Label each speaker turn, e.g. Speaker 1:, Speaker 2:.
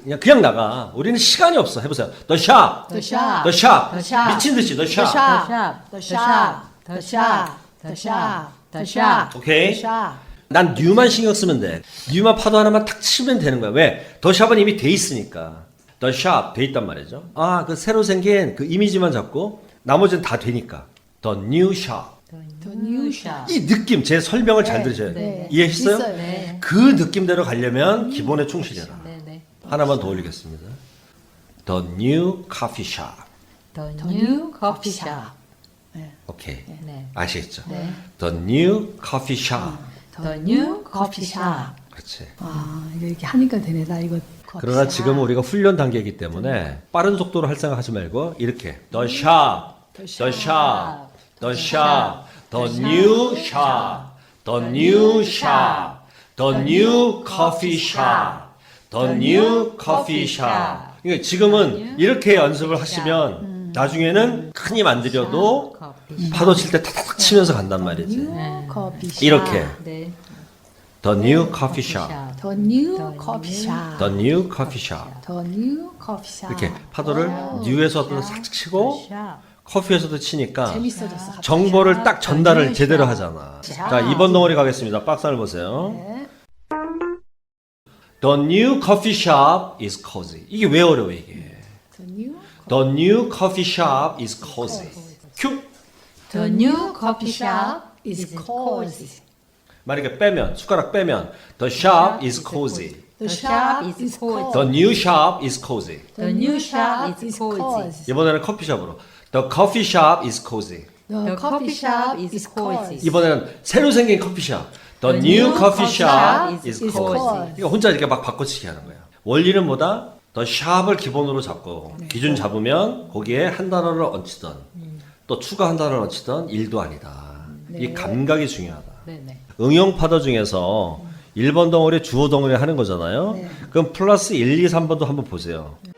Speaker 1: 그냥 나가. 우리는 시간이 없어. 해보세요. The shop.
Speaker 2: The shop.
Speaker 1: The shop.
Speaker 2: The shop.
Speaker 1: 미친 듯이 The shop.
Speaker 2: The shop. The shop. The shop. The shop.
Speaker 1: 오케이.
Speaker 2: The shop.
Speaker 1: 난 new만 신경 쓰면 돼. new만 파도 하나만 탁 치면 되는 거야. 왜? The shop은 이미 돼 있으니까. The shop 돼 있단 말이죠. 아, 그 새로 생긴 그 이미지만 잡고 나머지는 다 되니까. The new shop.
Speaker 2: The new shop.
Speaker 1: 이 느낌, 제 설명을 잘 들으셔야 돼요.
Speaker 2: 네.
Speaker 1: 이해했어요?
Speaker 2: 있어요. 네.
Speaker 1: 그 느낌대로 가려면 기본에 충실해라.
Speaker 3: 네네.
Speaker 1: 하나만 더 올리겠습니다. The new coffee shop.
Speaker 3: The new coffee shop.
Speaker 1: 오케이.
Speaker 3: 네.
Speaker 1: 아시겠죠?
Speaker 3: 네.
Speaker 1: The new coffee shop.
Speaker 3: The new coffee shop.
Speaker 1: 그렇지.
Speaker 2: 아, 이렇게 하니까 되네. 나 이거.
Speaker 1: 그러나 지금은 우리가 훈련 단계이기 때문에 빠른 속도로 할 생각하지 말고 이렇게 The shop, the shop, the shop, the new shop, the new shop, the new coffee shop, the new coffee shop. 그러니까 지금은 이렇게 연습을 하시면 나중에는 큰 힘 안 들여도 파도 칠 때 탁탁 치면서 간단 말이지.
Speaker 2: New coffee shop.
Speaker 1: 이렇게
Speaker 3: 네.
Speaker 1: The new coffee shop,
Speaker 2: The new coffee shop.
Speaker 1: the new coffee shop.
Speaker 2: The new coffee shop.
Speaker 1: 이렇게 파도를 뉴에서도 살짝 치고 커피에서도 치니까
Speaker 2: 재밌어졌어. 갑자기.
Speaker 1: 정보를 딱 전달을 제대로 하잖아. 자, 2번 덩어리 가겠습니다. 박스를 보세요.
Speaker 2: 네.
Speaker 1: The new coffee shop is cozy. 이게 왜 어려워 이게?
Speaker 2: The new.
Speaker 1: The new coffee shop is cozy. 큐.
Speaker 3: The new coffee shop
Speaker 2: is cozy.
Speaker 1: 만약에 빼면 숟가락 빼면 The shop is cozy.
Speaker 2: The shop is
Speaker 3: cozy.
Speaker 1: The new shop is cozy.
Speaker 3: The new shop is cozy.
Speaker 1: 이번에는 커피숍으로 The coffee shop is cozy.
Speaker 2: The coffee shop is cozy.
Speaker 1: 이번에는 새로 생긴 커피숍. The new coffee shop is cozy. 그러니까 혼자 이렇게 막 바꿔치기 하는 거야. 원리는 뭐다? The shop을 기본으로 잡고 기준 잡으면 거기에 한 단어를 얹히던 또 추가 한 단어를 얹히던 일도 아니다. 이 감각이 중요하다.
Speaker 3: 네네.
Speaker 1: 응용 파도 중에서 1번 덩어리 주어 덩어리 하는 거잖아요. 그럼 플러스 1, 2, 3번도 한번 보세요.